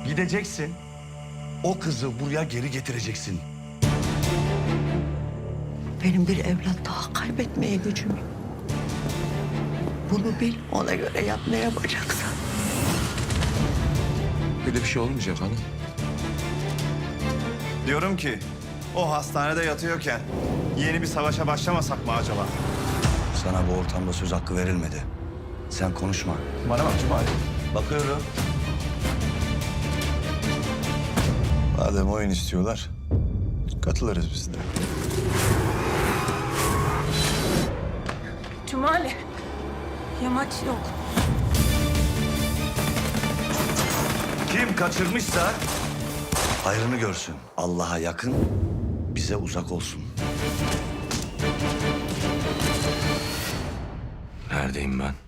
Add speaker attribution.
Speaker 1: Gideceksin. O kızı buraya geri getireceksin.
Speaker 2: Benim bir evlat daha kaybetmeye gücüm yok. Bunu bil, ona göre yap ne yapacaksan.
Speaker 3: Böyle bir şey olmayacak hanım.
Speaker 4: Diyorum ki o hastanede yatıyorken yeni bir savaşa başlamasak mı acaba?
Speaker 1: Sana bu ortamda söz hakkı verilmedi. Sen konuşma.
Speaker 4: Bana bak Cumali.
Speaker 1: Bakıyorum.
Speaker 4: Madem oyun istiyorlar, katılırız biz de.
Speaker 5: Cumali. Yamaç yok.
Speaker 1: Kim kaçırmışsa hayrını görsün. Allah'a yakın, bize uzak olsun.
Speaker 3: Neredeyim ben?